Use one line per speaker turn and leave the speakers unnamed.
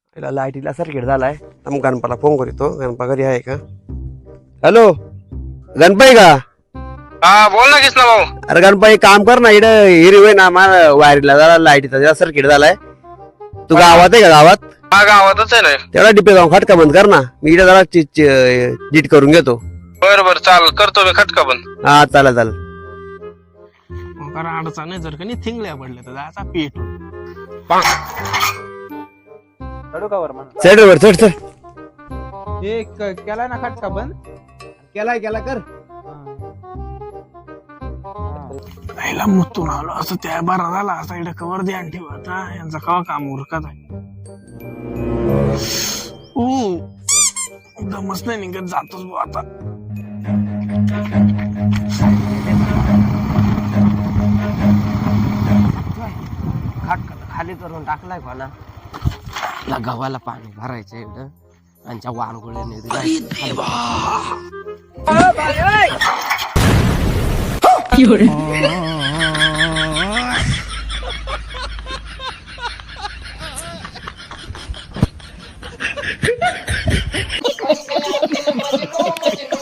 याला लाईटीला सर्किट झालाय. मग गणपाला फोन करतो. गणपा घरी आहे का? हॅलो गणपाई का?
हा बोल ना कृष्णा भाऊ.
अरे गणपाई काम कर ना, इकडे हिरी होय ना मला वायरीला जरा लाईटीचा जरा सर्किट झालाय. तू गावात आहे का? गावात
हा गावातच आहे ना.
तेवढा डिपे जाऊन खटका बंद कर ना. मी इकडे जरा नीट करून घेतो.
बर बर चाल करतो मी खटका बंद.
हा चालेल चालेल.
कारण अडचण नाही, जर का नाही थिंगल्या पडल्या तर जायचा पेट.
चढू का वर म्हणा?
चढ वर चढ चढ.
हे केलाय ना खटका बंद? केलाय कर.
पहिला मुतून आलो असं त्या बरा झाला असा इकडे कवर ध्यान ठेव. आता यांचा कवा काम उरकत आहे. दमच नाही निघत, जातोच भाऊ आता.
खटका खाली करून टाकलाय कोणा. गव्हाला पाणी भरायचं एवढं त्यांच्या वानगुळ्याने.